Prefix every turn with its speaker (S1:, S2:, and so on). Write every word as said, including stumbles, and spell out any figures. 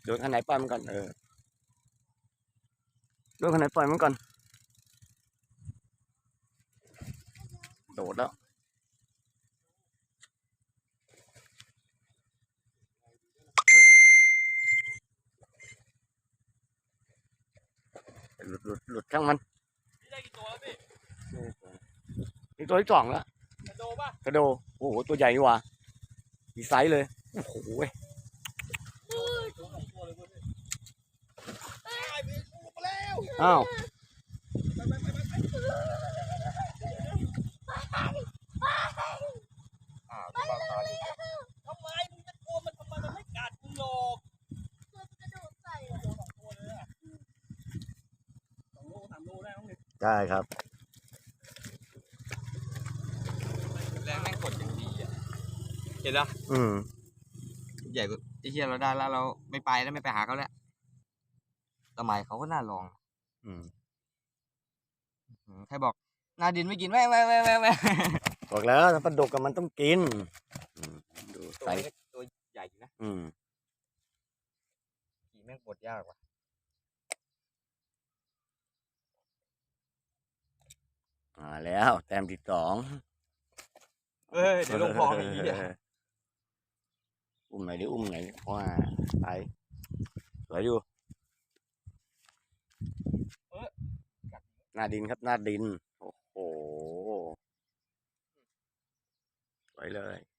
S1: โดนคันไหนปล่อยมันก่อนเออโดนคันไหนปล่อยมันก่อนโดดแล้วหลุดหลุดหลุดช่างมัน
S2: นี่ได้กี่ตัวแล้วพี่
S1: นี่ตัวที่สองแล้ว
S2: กระโดป่ะ
S1: กระโดโอ้โหตัวใหญ่กว่ามีไซส์เลยโอ้โหอ้าว
S2: ทำไมมึงจะกลัวมันทำไมมันไม่กัดมึงหรอกตัวกระโดดใส่อะสองตัวเลยอะสองโลสามโลได้ต้องเลย
S1: ใช่ครับ
S3: แรงแม่งกดอย่างดีอ่ะเห็นแล้ว
S1: อืม
S3: ใหญ่กว่าไอ้เหี้ยเราได้แล้วเราไม่ไปแล้วไม่ไปหาเขาแล้วสมัยเขาก็น่าลอง
S1: อืม
S3: ใครบอกนาดินไม่กินแม่แม่แม่แม่แม่
S1: บอกแล้วถ้าปลาดุกกับมันต้องกินดู
S3: ตัว
S1: ไซส์
S3: เล็กตัวใหญ่อยู่นะ
S1: อืม
S3: ขี่แม่งกดยากว่ะ
S1: มาแล้วแต้มที่สอง
S3: เอ้ยเดี๋ยวลงคลองไอ้เหี้ย
S1: อุ้มไหนอยดิอุ้มไหนอยว่าไปสวยอยู่หน้าดินครับหน้าดินโอ้โหสวยเลย